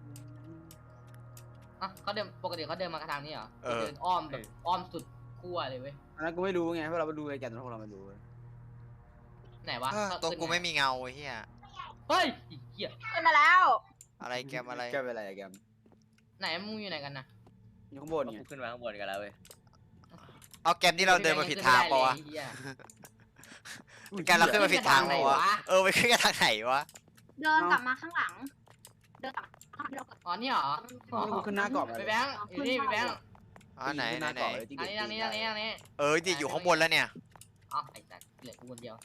[SPEAKER 1] อ่ะเขาเดินปกติเขาเดินมากระทางนี้เหรอ
[SPEAKER 2] เออ
[SPEAKER 1] เดินอ้อมแบบอ้อมสุดขั้วเลยเว้ย
[SPEAKER 3] อันนั้นกูไม่รู้ไงเพราะเราไปดูไอ้แกนพวกเราไม่รู้
[SPEAKER 1] ไหนวะ
[SPEAKER 2] เออ
[SPEAKER 1] เขา
[SPEAKER 2] ตัว
[SPEAKER 1] ขึ้น
[SPEAKER 2] กู
[SPEAKER 1] ง
[SPEAKER 2] ไม่มีเงาไอ้เหี้ย
[SPEAKER 1] เฮ้ยอีเหี้ย
[SPEAKER 4] ขึ้นมาแล้ว
[SPEAKER 2] อะไรแกมอะไร
[SPEAKER 3] แกเป็นอะไรแกม
[SPEAKER 1] ไหนมึงอยู่ไหนกันนะ
[SPEAKER 3] อยู่ข้างบน
[SPEAKER 5] พวก
[SPEAKER 3] ไง
[SPEAKER 5] กูขึ้นมาข้างบนกันแล้วเว้ย
[SPEAKER 2] เอาแกมที่เราเดินมาผิดทางปะวะ
[SPEAKER 1] ไอ้เหี้ย
[SPEAKER 2] แกมเราขึ้นมาผิดทางปะวะ
[SPEAKER 1] ขึ้นไปทางไหนวะ
[SPEAKER 2] เออไปขึ้นกันทางไหนวะ
[SPEAKER 4] เดินกลับมาข้างหลัง เดินกลับมาข้างหลัง
[SPEAKER 1] อ๋อนี่เหรอ
[SPEAKER 3] กูขึ้นหน้ากรอบ
[SPEAKER 1] ไปแบงค์อยู่นี่ไปแบงค์
[SPEAKER 2] อ๋อไหนไหนไหน
[SPEAKER 1] ทางนี้ทางนี้ทางนี้ทางนี้
[SPEAKER 2] เออดิอยู่ข้างบนแล้วเนี่ย
[SPEAKER 1] อ๋อไอ้สัตว์เหลือกูคนเดียว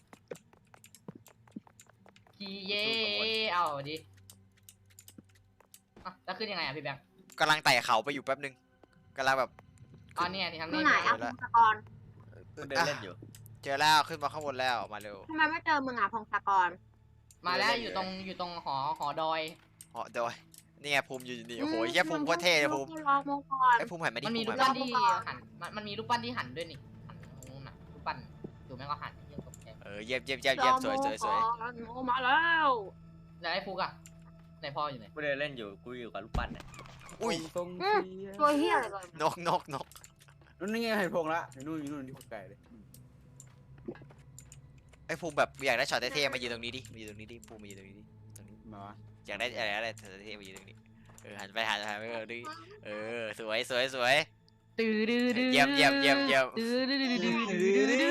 [SPEAKER 1] ทีเย่เอาดิอ่ะแล้วขึ้นยังไงอ่ะพี่แบงค์
[SPEAKER 2] กำลังไต่เขาไปอยู่แป๊บนึงกำลังแบบ
[SPEAKER 1] อ๋อเนี่ยที่ทาง
[SPEAKER 4] ตร
[SPEAKER 1] นี้
[SPEAKER 4] งไหนอ่ะ
[SPEAKER 2] เดี๋ยวละ
[SPEAKER 4] พงศกร
[SPEAKER 5] กูเดินเล่นอยู่
[SPEAKER 2] เจอแล้วขึ้นมาข้างบนแล้วมาเร็ว
[SPEAKER 4] ทำไมไม่เจอมึงอ่ะพงศกร
[SPEAKER 1] มาแล้วอยู่ตรงอยู่ตรงหอหอดอย
[SPEAKER 2] เหาะดอยนี่ไงภูมิอยู่นี่โอ้โหแย่ภูมิโคตรเท่เลยภูมิ
[SPEAKER 4] รอมงก่อน
[SPEAKER 2] ไอ้ภูมิหันมาดิ
[SPEAKER 1] มันมี
[SPEAKER 2] ภู
[SPEAKER 1] รูป
[SPEAKER 2] หั
[SPEAKER 1] ปั้น
[SPEAKER 2] มา
[SPEAKER 1] ที่หันมันมันมีรูปปั้นที่หันด้วยนี่หันตรงนู้นน่ะรูปปั้นดูแม่งก็หันเยี่ยมตกใจ
[SPEAKER 2] เออเยี่ยมเยี่ยมเยี่ยมเยี่ยมสวยสวยสวย
[SPEAKER 4] โมมาแล้ว
[SPEAKER 1] แล้วไอ้ฟุกอ่ะไหนพ่ออยู่ไหน
[SPEAKER 5] กูเดินเล่นอยู่กูอยู่กับลูกปั้นเนี่ย
[SPEAKER 2] อุ้ย
[SPEAKER 3] ทรง
[SPEAKER 4] ตัวเฮียอะไรเลย
[SPEAKER 2] นกนกนก
[SPEAKER 3] นู่นนี่ไงเห็นพงละนู่นนู่นที่คนไกลเลย
[SPEAKER 2] ไอ้ภูมิแบบอยากได้ช็อตเท่ๆมายืนตรงนี้ดิมายืนตรงนี้ดิภูมิมายืนตรงนี้ดิตรงนี้
[SPEAKER 3] มาวะ
[SPEAKER 2] อยากได้อะไรอะไรช็อตเท่ๆมายืนตรงนี้เออหันไปหันหันไปเออดิเออสวยสวยสวย
[SPEAKER 1] ตื้อดื้อดื้อ
[SPEAKER 2] เยี่ยมเยี่ยมเยี่ยมเยี่ยม
[SPEAKER 1] ตื้อดื้อดื้อดื้อดื้อดื้อดื้อ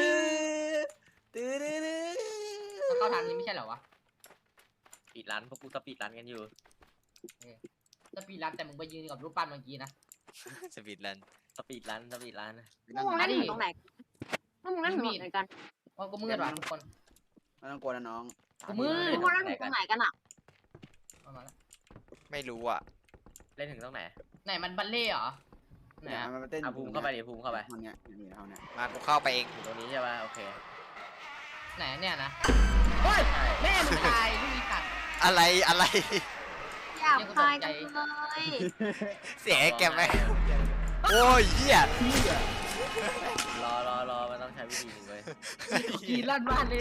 [SPEAKER 1] มันเข้าทางนี้ไม่ใช่เหรอวะ
[SPEAKER 5] สปีดรันพวกกูสปีดรันกันอยู่
[SPEAKER 1] จะปีรันแต่มึงไปยืนกับรูปปั้นเมื่อกี้นะ
[SPEAKER 2] สปีดรัน
[SPEAKER 5] สปีดรันสปีดรัน
[SPEAKER 4] พวกมึงเล่นอยู่ตรงไหนพวกมึงเล่นอยู่ตรงไหนกัน
[SPEAKER 1] ว่ากูมืดว่ะทุกคน
[SPEAKER 3] ไม่ต้องกลัวนะน้อง
[SPEAKER 1] กูมืด
[SPEAKER 4] พวกมึงเล่นอยู่ตรงไหนกันอ่ะ
[SPEAKER 1] เอามาแล้ว
[SPEAKER 2] ไม่รู้อ่ะ
[SPEAKER 5] เล่นถึงตรงไหน
[SPEAKER 1] ไหนมันบัลเล่ต์เหรอไหน
[SPEAKER 3] เนี่ย
[SPEAKER 1] อะ
[SPEAKER 3] มันมาเต้น
[SPEAKER 5] อ่ะภูมิเข้าไปดิภูมิเข้าไป
[SPEAKER 3] มันเนี่ยนี่เท่านี้
[SPEAKER 2] มากูเข้าไปเอง
[SPEAKER 5] อยู่ตรงนี้ใช่ป่ะโอเค
[SPEAKER 1] ไหนเนี่ยนะเฮ้ย
[SPEAKER 5] ใช่
[SPEAKER 1] แม่มึงตายลูกอีสัตว์
[SPEAKER 2] อะไรอะไร
[SPEAKER 4] อยากพายกันเลย
[SPEAKER 2] เสียงไอ้แกมไหมโอ้ยเหี้ย
[SPEAKER 5] รอรอรอมันต้องใช้วิธีหนึ่งเว้ย
[SPEAKER 1] กีลั่นบ้านเลย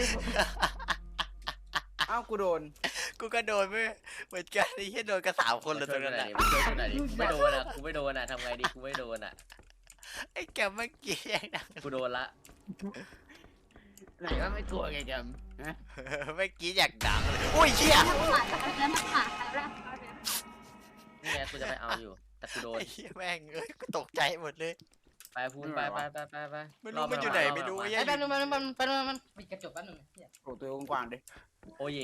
[SPEAKER 3] อ้าวกูโดน
[SPEAKER 2] กูก็โดนไม่เหมือนกันไอ้เหี้ยโดนกระสามคนเลยตรงนั้น
[SPEAKER 5] ไหน
[SPEAKER 2] แหละ
[SPEAKER 5] ดิช่วยกูหน่อยดิกูไม่โดนอ่ะกูไม่โดนอ่ะทำไงดีกูไม่โดนอ่ะ
[SPEAKER 2] ไอ้แกมเมื่อกี้ยังดัง
[SPEAKER 5] กูโดนละ
[SPEAKER 3] ไหนว่าไม่กลัวไงแกม
[SPEAKER 2] เมื่อกี้อยากดังเลยโอ้ยเหี้ย
[SPEAKER 4] มันหมาใครแล้วมันหมาใครแล้ว
[SPEAKER 5] นี่ไงกูจะไปเอาอยู่ แต่กูโดน
[SPEAKER 2] ไอ้เหี้ยแม่งเอ้ยกูตกใจหมดเลย
[SPEAKER 5] ไปภูมิไปไปไปไปไป
[SPEAKER 2] ไม่รู้มันอยู่ไหนไม่รู้
[SPEAKER 5] รอบ
[SPEAKER 2] ไอ้
[SPEAKER 5] น
[SPEAKER 2] เหี้
[SPEAKER 1] ไอ้
[SPEAKER 2] ย
[SPEAKER 1] แป๊บนึงแป๊บนึงแป๊บนึงแป๊บนึงมันปิดกระจกแป๊บนึงเนี่ย
[SPEAKER 3] โอ้ตัวกว้างๆดิ
[SPEAKER 5] โอ้ย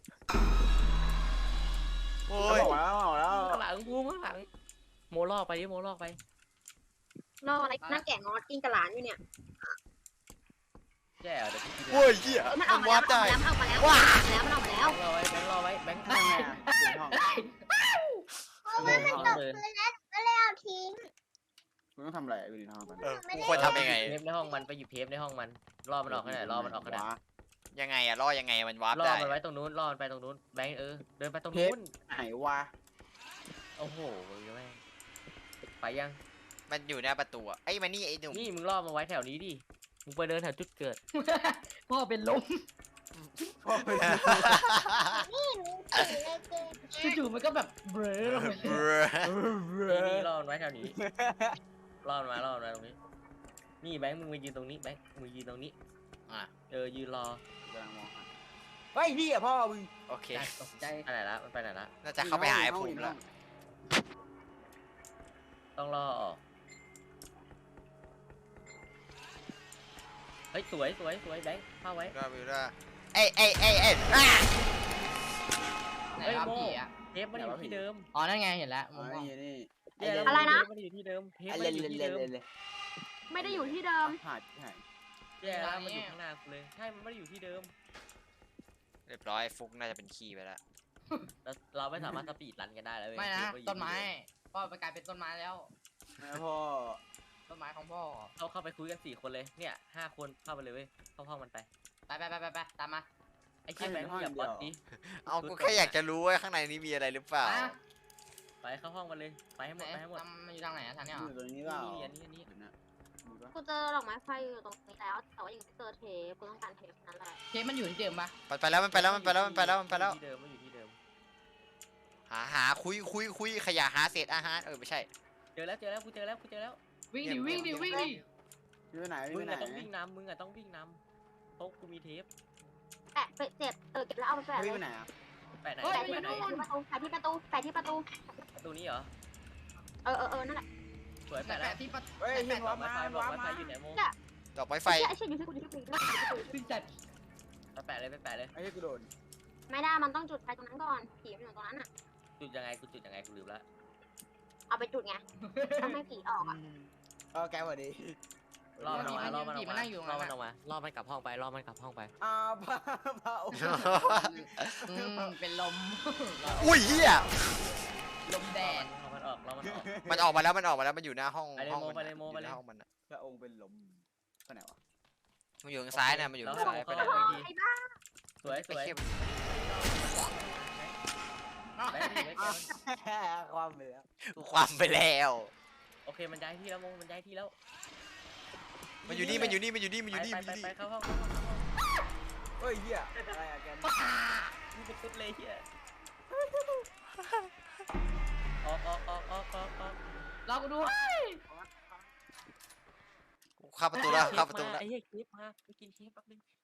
[SPEAKER 2] โอ้
[SPEAKER 3] โอ้
[SPEAKER 2] ย
[SPEAKER 3] ยบอกแล้วบอกแล้ว
[SPEAKER 5] ข้างหลังภูมิข้างหลังโมลอกไปดิโมลอกไป
[SPEAKER 4] รออะไรนั่งแกะงอกินกระหลานอยู่เนี่ย
[SPEAKER 5] แย่เดี๋ยวพี่กิน
[SPEAKER 2] โอ้ยเหี้ย
[SPEAKER 4] มัน
[SPEAKER 2] มั
[SPEAKER 4] ออน กมา
[SPEAKER 2] วา
[SPEAKER 4] แล้
[SPEAKER 2] ร์
[SPEAKER 4] ว
[SPEAKER 2] ป
[SPEAKER 4] มัน
[SPEAKER 2] ได้
[SPEAKER 4] ออกมาแล้วมันออกมาแล้วมันออกมาแล้ว
[SPEAKER 5] รอไว้แบงค์รอไว้แบงค์
[SPEAKER 3] ทำไงอ่ะอยู่ในห้อง
[SPEAKER 5] เดิน
[SPEAKER 4] เอาทิ้ง
[SPEAKER 3] คุณต้องทำอะไรอยู่ในห้องกัน
[SPEAKER 2] เออกูควรทำยังไง
[SPEAKER 5] เทปในห้องมันไปหยิบเทปในห้องมันรอมันออกขนาดรอมันออกขนาด
[SPEAKER 2] ยังไงอะล่อยังไงมันวาร์ป
[SPEAKER 5] รอ
[SPEAKER 2] ได้
[SPEAKER 5] มันไว้ตรงนู้นรอมันไปตรงนู้นแบงค์เออเดินไปตรงนู้น
[SPEAKER 3] ไหนวะ
[SPEAKER 5] โอ้โหแม่งไปยัง
[SPEAKER 2] มันอยู่หน้าประตูอะไอ้ยมานี่ไอ้หนุ่ม
[SPEAKER 5] นี่มึงรอมาไว้แถวนี้ดิมึงไปเดินแถวจุดเกิด
[SPEAKER 1] พ่อเป็นลม
[SPEAKER 3] พ่อไปดู
[SPEAKER 1] จู่ๆมันก็แบบเบลอลงไปเลย
[SPEAKER 5] นี่นี่รอมันไว้แถวนี้รอมันไว้รอมันไว้ตรงนี้นี่แบงค์มึงมายืนตรงนี้แบงค์มึงยืนตรงนี้
[SPEAKER 2] อ่ะ
[SPEAKER 5] เออยืนรอก
[SPEAKER 3] ำลังมองหาเฮ้ยพี่อะพ่อมึง
[SPEAKER 2] โอเค
[SPEAKER 1] ใจตกใจ
[SPEAKER 5] ไปไหนละมันไปไหนละ
[SPEAKER 2] น่าจะเข้าไปหาไอ้ภูมิแล้ว
[SPEAKER 5] ต้องรอออกเฮ้ยสวยสวยสวยแบงค์เข้าไว้
[SPEAKER 2] ได้วิวได้เอ้ยเอ้ยเอ้ยเอ้ยอ่ะ
[SPEAKER 1] ไหน
[SPEAKER 5] เฮ้ย
[SPEAKER 1] ครับ
[SPEAKER 5] โม่
[SPEAKER 1] ผีอ่ะ
[SPEAKER 5] เทปมันอยู่ที่เดิม
[SPEAKER 1] อ๋อนั่นไงเห็นแล้ว
[SPEAKER 3] อ๋
[SPEAKER 1] มุ
[SPEAKER 3] อ
[SPEAKER 1] มมอง
[SPEAKER 3] นี่นี่
[SPEAKER 5] แย่แล้ว
[SPEAKER 4] อะไรนะ
[SPEAKER 5] เทปมันอยู่ที่เดิมเทป
[SPEAKER 3] ไอ้
[SPEAKER 5] มัน
[SPEAKER 3] เล่น
[SPEAKER 5] อยู่
[SPEAKER 3] เล่น
[SPEAKER 5] ที่
[SPEAKER 3] เล่น
[SPEAKER 5] เดิม
[SPEAKER 3] เล่น
[SPEAKER 4] ไม่ได้อยู่ที่เดิม
[SPEAKER 3] หาดหาย
[SPEAKER 5] แย่แล้วมันอยู่ข้างหน้ากูเลยใช่มันไม่ได้อยู่ที่เดิม
[SPEAKER 2] เรียบร้อยฟุกน่าจะเป็นขี้ไปแล้ว
[SPEAKER 5] เราเราไม่สามารถสปีดรันกันได้แล้วเว้ย
[SPEAKER 1] ไม่นะ
[SPEAKER 5] เทปอยู่
[SPEAKER 1] ต้นไม้
[SPEAKER 5] ที่เดิ
[SPEAKER 1] พ่อไปกลายเป็นต้นไม้แล้ว
[SPEAKER 3] นะพ่อ
[SPEAKER 1] ต้นไม้ของพ่อ
[SPEAKER 5] เราเข้าไปคุยกันสี่คนเลยเนี่ยห้าคนเข้าไปเลยเว้ยเข้าห้องมันไป
[SPEAKER 1] ไปไปไปไปไปตามมา
[SPEAKER 5] ไอ้เชี่ยแบงค์มึงอย่าป๊อตดิ
[SPEAKER 2] เอาก็แค่อยากจะรู้ว่าข้างในนี้มีอะไรหรือเปล่า
[SPEAKER 1] อ่ะ
[SPEAKER 5] ไปเข้าห้องมันเลยไปให้หม
[SPEAKER 1] ไหน
[SPEAKER 5] ดไปให้หมด
[SPEAKER 1] ตามมันอยู่ทางไหนอะทางเนี้ยเหร
[SPEAKER 3] อ
[SPEAKER 1] อยู่
[SPEAKER 3] ตรงนี้เปล่า
[SPEAKER 5] นี่อันนี้อันนี้
[SPEAKER 3] เดี๋ยวนะมีปะ
[SPEAKER 4] กูเจอดอกไม้ไฟอยู่ตรงนี้แล้ว แต่ว่ายังไม่เจอเทปกูต้องการเทปนั่นแหละ
[SPEAKER 1] เทปมันอยู่ที่เดิมปะ
[SPEAKER 2] ไปไปแล้วมันไปแล้วมันไปแล้วมันไปแล้วมันไปแล้ว
[SPEAKER 5] ที่เดิมมันอยู่ที่เดิม
[SPEAKER 2] หาหาคุยคุยคุยขยะหาเศษอาหารเออไม่ใช่
[SPEAKER 5] เจอแล้วเจอแล้วกูเจอแล้วกูเจอแล้ว
[SPEAKER 1] วิ่งดิวิ่งดิวิ่งดิ
[SPEAKER 3] พี่ไปไหน
[SPEAKER 5] มึ
[SPEAKER 3] พี่
[SPEAKER 5] ง
[SPEAKER 3] ไปไหน
[SPEAKER 5] อะต้องวิ่งนำมึงอะต้องวิ่งนำเพราะกูมีเทป
[SPEAKER 4] แปะไปเจ็ดเออเก็บแล้วเอาไปแปะเล
[SPEAKER 3] พี่
[SPEAKER 4] ย
[SPEAKER 3] ไปไหนอ่ะ
[SPEAKER 5] แปะไหน
[SPEAKER 1] เฮ้ย
[SPEAKER 4] แปะ
[SPEAKER 5] แปะ
[SPEAKER 4] ที่
[SPEAKER 5] ไหน
[SPEAKER 4] ประตูแปะที่ประตูแปะที่ประตู
[SPEAKER 5] ประตูนี้เหรอ
[SPEAKER 4] เออเออเออนั่นแหละ
[SPEAKER 5] สวย
[SPEAKER 1] แปะ
[SPEAKER 5] แปะแล้ว
[SPEAKER 1] แปะที่ประ
[SPEAKER 3] เฮ้ย
[SPEAKER 1] แปะ
[SPEAKER 3] พี่
[SPEAKER 1] แปะ
[SPEAKER 3] วา
[SPEAKER 5] ไม้
[SPEAKER 3] มา
[SPEAKER 5] ไฟบอก
[SPEAKER 3] วา
[SPEAKER 5] ไม้ไฟ
[SPEAKER 3] มา
[SPEAKER 5] อยู่ไหนโม
[SPEAKER 2] ดอกไม้ไฟ
[SPEAKER 4] ไอ้เชี่ยอยู่ที่กูอยู่ที่กูอยู่ที่กู
[SPEAKER 1] ซึ่งจัด
[SPEAKER 5] ไปแปะเลยไปแปะเลย
[SPEAKER 3] ไอ้ที่กูโดน
[SPEAKER 4] ไม่ได้มันต้องจุดไฟตรงนั้นก่อนผีมันอยู่ตรงนั้นอ่ะ
[SPEAKER 5] จุดยังไงกูจุดยังไงกูลืมละ
[SPEAKER 4] เอาไปจุดไงต้องให้ผีออกอ่ะ
[SPEAKER 3] เออแกสวัสดี
[SPEAKER 5] รอมันออกมารอมันออก
[SPEAKER 1] ผีมั
[SPEAKER 5] มาน
[SPEAKER 1] นั่งอยู่ตรง
[SPEAKER 5] รอ
[SPEAKER 1] นั้น
[SPEAKER 5] มันอ
[SPEAKER 1] อะ
[SPEAKER 5] อกมารอมันกลับห้องไปรอมันกลับห้องไป
[SPEAKER 3] อ้าวพาพาโอ้
[SPEAKER 1] อืมเป็นลม
[SPEAKER 2] อุ้ยเฮีย
[SPEAKER 1] ลมแดด
[SPEAKER 5] รอมันออกรอมันออก
[SPEAKER 2] มันออกมาแล้วมันออกมาแล้วมันอยู่หน้าห้อง
[SPEAKER 5] ไปเลย
[SPEAKER 2] ห้อง
[SPEAKER 5] โม
[SPEAKER 2] มัน
[SPEAKER 5] ไปเลยโม
[SPEAKER 2] อะ
[SPEAKER 5] ไปเลย
[SPEAKER 2] อยู่หน้าห้องมันอะ
[SPEAKER 3] พระองค์เป็นลมไปไหนวะ
[SPEAKER 2] มันอยู่ทางซ้ายนะมันอยู่ทางซ้ายไปไหน
[SPEAKER 4] โอ้ยไอ้บ้า
[SPEAKER 5] สวยสวย
[SPEAKER 2] ไอ้เหี้ย
[SPEAKER 5] แบงค์นี่แบงค์นี่
[SPEAKER 3] ความไปแล้ว
[SPEAKER 2] ความไปแล้ว
[SPEAKER 5] โอเคมันย้ายที่แล้วโมมันย้ายที่แล้ว
[SPEAKER 2] มันอยู่นี่มันอยู่นี่มันอยู่นี่มันอยู่นี่
[SPEAKER 5] ไป
[SPEAKER 2] มันอ
[SPEAKER 5] ไป
[SPEAKER 2] ยู่
[SPEAKER 5] ไป
[SPEAKER 2] นี่
[SPEAKER 5] เข้าห้องเข้าห้องเข้าห้อง
[SPEAKER 3] เฮ้ยเหี้ยอะไรอะแก
[SPEAKER 5] นี่เป็นตุ๊ดเลยเฮียออกออกออกออกออกออก
[SPEAKER 1] รอกูดู
[SPEAKER 2] เข้าประตูแล้วเข้าประตูแล้ว
[SPEAKER 5] ไอ้เหี้ยคลิปมาไปกินเค้กแป๊บนึง